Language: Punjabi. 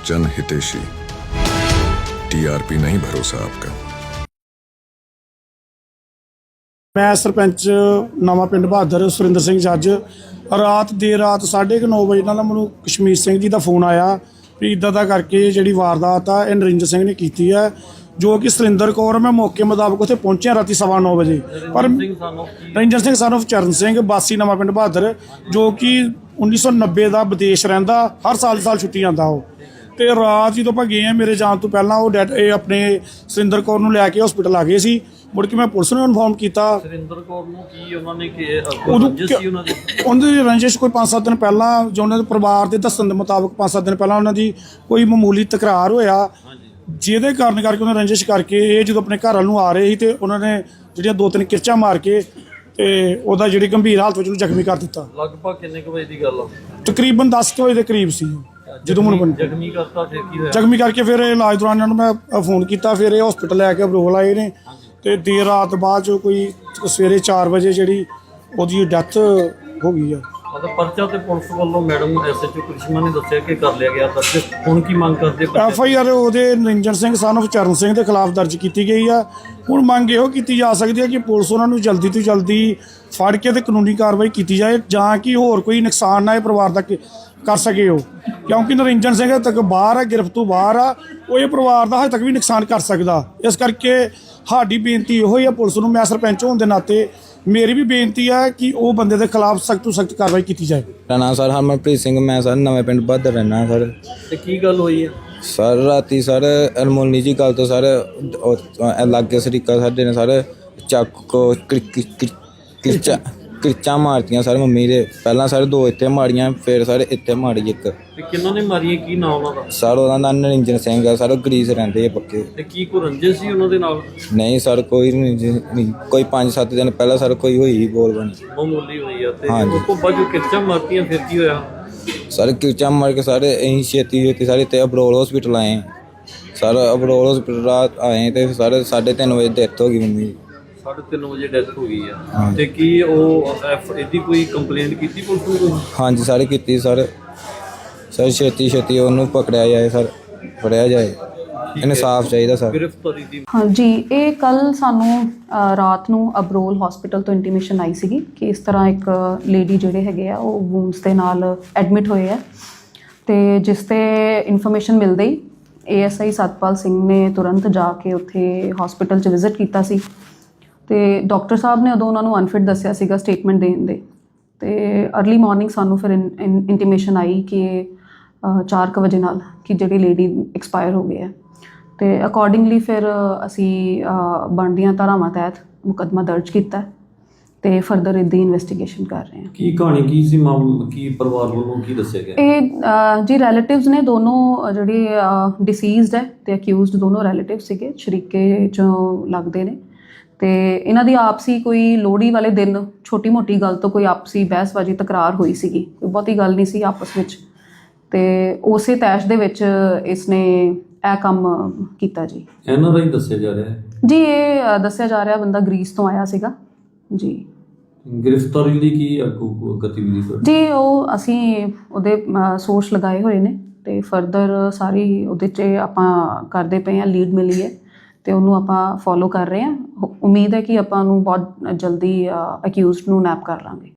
जन हितेशी। टीआरपी नहीं भरोसा आपका। मैं सरपंच नवा पिंड बहादुर सुरिंदर सिंह जज रात देर रात 9:30 बजे ਨਾਲ ਮੈਨੂੰ ਕਸ਼ਮੀਰ ਸਿੰਘ ਜੀ ਦਾ ਫੋਨ ਆਇਆ ਵੀ ਇੱਦਾਂ ਦਾ ਕਰਕੇ ਜਿਹੜੀ ਵਾਰਦਾਤ ਆ ਇਹ ਨਰਿੰਦਰ ਸਿੰਘ ਨੇ ਕੀਤੀ ਹੈ ਜੋ ਕਿ ਸੁਰਿੰਦਰ ਕੌਰ। ਮੈਂ ਮੌਕੇ ਮੁਤਾਬਕ ਉੱਥੇ ਪਹੁੰਚਿਆ ਰਾਤੀ 9:15 ਵਜੇ। ਪਰ ਨਰਿੰਦਰ ਸਿੰਘ ਸਾਨੂੰ ਚਰਨ ਸਿੰਘ ਵਾਸੀ ਨਵਾਂ ਪਿੰਡ ਬਹਾਦਰ ਜੋ ਕਿ 1990 ਦਾ ਵਿਦੇਸ਼ ਰਹਿੰਦਾ, ਹਰ ਸਾਲ ਛੁੱਟੀ ਜਾਂਦਾ ਉਹ। ਤੇ ਰਾਤ ਜਦੋਂ ਆਪਾਂ ਗਏ ਆ ਮੇਰੇ ਜਾਣ ਤੋਂ ਪਹਿਲਾਂ ਉਹ ਇਹ ਆਪਣੇ ਸੁਰਿੰਦਰ ਕੌਰ ਨੂੰ ਲੈ ਕੇ ਹਸਪੀਟਲ ਆ ਗਏ ਸੀ। ਮੁੜ ਕੇ ਮੈਂ ਪੁਲਿਸ ਨੂੰ ਇਨਫੋਰਮ ਕੀਤਾ। ਸੁਰਿੰਦਰ ਕੌਰ ਨੂੰ ਕੀ ਉਹਨਾਂ ਨੇ ਉਹਨਾਂ ਦੀ ਰੰਜਿਸ਼ ਕੋਈ 5-7 ਦਿਨ ਪਹਿਲਾਂ ਜੋ ਉਹਨਾਂ ਦੇ ਪਰਿਵਾਰ ਦੇ ਦੱਸਣ ਦੇ ਮੁਤਾਬਕ 5-7 ਦਿਨ ਪਹਿਲਾਂ ਉਹਨਾਂ ਦੀ ਕੋਈ ਮਾਮੂਲੀ ਤਕਰਾਰ ਹੋਇਆ, ਜਿਹਦੇ ਕਾਰਨ ਕਰਕੇ ਉਹਨਾਂ ਰੰਜਿਸ਼ ਕਰਕੇ ਇਹ ਜਦੋਂ ਆਪਣੇ ਘਰ ਵੱਲ ਨੂੰ ਆ ਰਹੇ ਸੀ ਤੇ ਉਹਨਾਂ ਨੇ ਜਿਹੜੀਆਂ 2-3 ਕਿਰਚਾਂ ਮਾਰ ਕੇ ਤੇ ਉਹਦਾ ਜਿਹੜੀ ਗੰਭੀਰ ਹਾਲਤ ਵਿੱਚ ਉਹਨੂੰ ਜ਼ਖਮੀ ਕਰ ਦਿੱਤਾ। ਲਗਭਗ ਕਿੰਨੇ ਕੁ ਵਜੇ ਦੀ ਗੱਲ ਆ? ਤਕਰੀਬਨ 10 ਵਜੇ ਦੇ ਕਰੀਬ ਸੀ ਜਦੋਂ ਮੈਨੂੰ ਜ਼ਖਮੀ ਕਰਤਾ। ਫਿਰ ਕੀ ਹੋਇਆ? ਜ਼ਖਮੀ ਕਰਕੇ ਫਿਰ ਇਲਾਜ ਦੌਰਾਨ ਇਹਨਾਂ ਨੂੰ ਮੈਂ ਫੋਨ ਕੀਤਾ। ਫਿਰ ਇਹ ਹਸਪੀਟਲ ਲੈ ਕੇ ਅਬਰੋਲ ਆਏ ਨੇ ਤੇ ਦੇਰ ਰਾਤ ਬਾਅਦ ਜੋ ਕੋਈ ਸਵੇਰੇ 4 ਵਜੇ ਜਿਹੜੀ ਉਹਦੀ ਡੈਥ ਹੋ ਗਈ ਆ। ਮਤਲਬ ਪਰਚਾ ਤੇ ਪੁਲਿਸ ਵੱਲੋਂ ਮੈਡਮ ਐਸਐਚਓ ਕ੍ਰਿਸ਼ਮਾ ਨੇ ਦੱਸਿਆ ਕਿ ਕਰ ਲਿਆ ਗਿਆ ਦਰਜ। ਹੁਣ ਕੀ ਮੰਗ ਕਰਦੇ? FIR ਉਹਦੇ ਨਰਿੰਦਰ ਸਿੰਘ son of ਚਰਨ ਸਿੰਘ ਦੇ ਖਿਲਾਫ ਦਰਜ ਕੀਤੀ ਗਈ ਆ। ਹੁਣ ਮੰਗ ਇਹੋ ਕੀਤੀ ਜਾ ਸਕਦੀ ਹੈ ਕਿ ਪੁਲਿਸ ਉਹਨਾਂ ਨੂੰ ਜਲਦੀ ਤੋਂ ਜਲਦੀ ਫੜ ਕੇ ਤੇ ਕਾਨੂੰਨੀ ਕਾਰਵਾਈ ਕੀਤੀ ਜਾਏ ਜਾਂ ਕਿ ਹੋਰ ਕੋਈ ਨੁਕਸਾਨ ਨਾ ਇਹ ਪਰਿਵਾਰ ਦਾ ਕਰ ਸਕੇ ਉਹ, ਕਿਉਂਕਿ ਨਰਿੰਦਰ ਸਿੰਘ ਹਜੇ ਤੱਕ ਬਾਹਰ ਆ, ਗ੍ਰਿਫਤ ਤੋਂ ਬਾਹਰ ਆ। ਉਹ ਇਹ ਪਰਿਵਾਰ ਦਾ ਹਜੇ ਤੱਕ ਵੀ ਨੁਕਸਾਨ ਕਰ ਸਕਦਾ। ਇਸ ਕਰਕੇ ਸਾਡੀ ਬੇਨਤੀ ਇਹੋ ਹੀ ਆ ਪੁਲਿਸ ਨੂੰ, ਮੈਂ ਸਰਪੰਚ ਹੋਣ ਦੇ ਨਾਤੇ ਮੇਰੀ ਵੀ ਬੇਨਤੀ ਹੈ ਕਿ ਉਹ ਬੰਦੇ ਦੇ ਖਿਲਾਫ ਸਖਤ ਤੋਂ ਸਖਤ ਕਾਰਵਾਈ ਕੀਤੀ ਜਾਏ। ਮੇਰਾ ਨਾਮ ਸਰ ਹਰਮਨਪ੍ਰੀਤ ਸਿੰਘ, ਮੈਂ ਸਰ ਨਵੇਂ ਪਿੰਡ ਬਹਾਦਰ ਰਹਿਣਾ ਸਰ। ਤੇ ਕੀ ਗੱਲ ਹੋਈ ਹੈ ਸਰ? ਰਾਤੀ ਸਰ ਅਨਮੋਲਨੀ ਜੀ ਗੱਲ ਤੋਂ ਸਰ ਲਾਗੇ ਸਰੀਕਾ ਸਾਡੇ ਨੇ ਸਰ ਚਾਕੂ ਕਿਰਚਾਂ ਮਾਰਤੀਆਂ ਸਰ ਮੰਮੀ ਦੇ। ਪਹਿਲਾਂ ਸਰ 2 ਇੱਥੇ ਮਾਰੀਆਂ, ਫਿਰ ਸਰ ਇੱਥੇ ਮਾਰੀ ਇੱਕ। ਤੇ ਕਿਹਨਾਂ ਨੇ ਮਾਰੀਆਂ? ਕੀ ਨਾਮ ਉਹਨਾਂ ਦਾ? ਸਰ ਉਹਦਾ ਨਾਮ ਨਰਿੰਦਰ ਸਿੰਘ ਆ ਸਰ, ਗਰੀਸ ਰਹਿੰਦੇ ਆ ਪੱਕੇ। ਤੇ ਕੀ ਕੋਈ ਰੰਜਿਸ਼ ਸੀ ਉਹਨਾਂ ਦੇ ਨਾਲ? ਨਹੀਂ ਸਰ ਕੋਈ ਨਹੀਂ, ਕੋਈ 5-7 ਦਿਨ ਪਹਿਲਾਂ ਸਰ ਕੋਈ ਹੋਈ ਬੋਲ ਬਣੀ ਮਾਮੂਲੀ ਹੋਈ ਆ। ਤੇ ਉਸ ਤੋਂ ਬਾਅਦ ਜੋ ਕਿਰਚਾਂ ਮਾਰਤੀਆਂ ਫਿਰ ਕੀ ਹੋਇਆ? ਸਰ ਕਿਰਚਾਂ ਮਾਰ ਕੇ ਸਾਰੇ ਅਸੀਂ ਛੇਤੀ ਸਾਰੇ ਇੱਥੇ ਅਬਰੋਲ ਹਸਪੀਟਲ ਆਏ ਸਰ। ਅਬਰੋਲ ਹਸਪੀਟਲ ਰਾਤ ਆਏ ਤੇ ਸਾਰੇ 3:30 ਵਜੇ ਡੈਥ ਹੋ ਗਈ ਮੰਮੀ ਦੀ। 3:30 ਵਜੇ ਡੈਥ ਹੋ ਗਈ ਆ। ਤੇ ਕੀ ਉਹ ਇਹਦੀ ਕੋਈ ਕੰਪਲੇਂਟ ਕੀਤੀ ਪੁਲਿਸ ਨੂੰ? ਹਾਂਜੀ ਸਾਰੇ ਕੀਤੀ ਸਰ। ਛੇਤੀ ਉਹਨੂੰ ਪਕੜਿਆ ਜਾਏ ਸਰ, ਫੜਿਆ ਜਾਏ, ਇਨਸਾਫ ਚਾਹੀਦਾ ਸਰ। ਗ੍ਰਿਫਤਾਰੀ ਦੀ ਹਾਂਜੀ, ਇਹ ਕੱਲ ਸਾਨੂੰ ਰਾਤ ਨੂੰ ਅਬਰੋਲ ਹਸਪੀਟਲ ਤੋਂ ਇੰਟੀਮੇਸ਼ਨ ਆਈ ਸੀਗੀ ਕਿ ਇਸ ਤਰ੍ਹਾਂ ਇੱਕ ਲੇਡੀ ਜਿਹੜੇ ਹੈਗੇ ਆ ਉਹ ਵੂਨਸ ਦੇ ਨਾਲ ਐਡਮਿਟ ਹੋਏ ਆ। ਤੇ ਜਿਸ ਤੇ ਇਨਫੋਰਮੇਸ਼ਨ ਮਿਲਦੇ ਹੀ ASI ਸਤਪਾਲ ਸਿੰਘ ਨੇ ਤੁਰੰਤ ਜਾ ਕੇ ਉੱਥੇ ਹਸਪੀਟਲ 'ਚ ਵਿਜ਼ਿਟ ਕੀਤਾ ਸੀ। ਤੇ ਡਾਕਟਰ ਸਾਹਿਬ ਨੇ ਉਦੋਂ ਉਹਨਾਂ ਨੂੰ ਅਨਫਿਟ ਦੱਸਿਆ ਸੀਗਾ ਸਟੇਟਮੈਂਟ ਦੇਣ ਦੇ। ਤੇ ਅਰਲੀ ਮਾਰਨਿੰਗ ਸਾਨੂੰ ਫਿਰ ਇੰਟੀਮੇਸ਼ਨ ਆਈ ਕਿ 4 ਵਜੇ ਨਾਲ ਕਿ ਜਿਹੜੀ ਲੇਡੀ ਐਕਸਪਾਇਰ ਹੋ ਗਈ ਹੈ। ਤੇ ਅਕੋਰਡਿੰਗਲੀ ਫਿਰ ਅਸੀਂ ਬਣਦੀਆਂ ਧਾਰਾਵਾਂ ਤਹਿਤ ਮੁਕੱਦਮਾ ਦਰਜ ਕੀਤਾ ਤੇ ਫਰਦਰ ਇਹਦੀ ਇਨਵੈਸਟੀਗੇਸ਼ਨ ਕਰ ਰਹੇ ਹਾਂ। ਕੀ ਕਹਾਣੀ ਕੀ ਸੀ? ਕੀ ਪਰਿਵਾਰ ਵੱਲੋਂ ਕੀ ਦੱਸਿਆ ਗਿਆ? ਇਹ ਜੀ ਰਿਲੇਟਿਵਸ ਨੇ ਦੋਨੋਂ, ਜਿਹੜੇ ਡਿਸੀਜ਼ਡ ਹੈ ਤੇ ਅਕਿਊਜ਼ਡ ਦੋਨੋਂ ਰਿਲੇਟਿਵ ਸੀਗੇ, ਸ਼ਰੀਕੇ 'ਚੋਂ ਲੱਗਦੇ ਨੇ। ਤੇ ਇਹਨਾਂ ਦੀ ਆਪਸੀ ਕੋਈ ਲੋਹੜੀ ਵਾਲੇ ਦਿਨ ਛੋਟੀ ਮੋਟੀ ਗੱਲ ਤੋਂ ਕੋਈ ਆਪਸੀ ਬਹਿਸਬਾਜ਼ੀ ਤਕਰਾਰ ਹੋਈ ਸੀਗੀ, ਕੋਈ ਬਹੁਤੀ ਗੱਲ ਨਹੀਂ ਸੀ ਆਪਸ ਵਿੱਚ। ਤੇ ਉਸੇ ਤੈਸ਼ ਦੇ ਵਿੱਚ ਇਸਨੇ ਇਹ ਕੰਮ ਕੀਤਾ ਜੀ। ਇਹਨਾਂ ਦਾ ਹੀ ਦੱਸਿਆ ਜਾ ਰਿਹਾ ਹੈ ਜੀ। ਇਹ ਦੱਸਿਆ ਜਾ ਰਿਹਾ ਬੰਦਾ ਗ੍ਰੀਸ ਤੋਂ ਆਇਆ ਸੀਗਾ ਜੀ। ਗ੍ਰਿਫਤਾਰੀ ਲਈ ਕੀ ਅੱਗੋਂ ਗਤੀਵਿਧੀ ਜੀ? ਉਹ ਅਸੀਂ ਉਹਦੇ ਸੋਰਸ ਲਗਾਏ ਹੋਏ ਨੇ ਤੇ ਫਰਦਰ ਸਾਰੀ ਉਹਦੇ 'ਚ ਆਪਾਂ ਕਰਦੇ ਪਏ ਹਾਂ। ਲੀਡ ਮਿਲੀ ਹੈ ਤੇ ਉਹਨੂੰ ਆਪਾਂ ਫੋਲੋ ਕਰ ਰਹੇ ਹਾਂ। ਉਮੀਦ ਹੈ ਕਿ ਆਪਾਂ ਨੂੰ ਬਹੁਤ ਜਲਦੀ ਅਕਿਊਜ਼ਡ ਨੂੰ ਨੈਪ ਕਰ ਲਾਂਗੇ।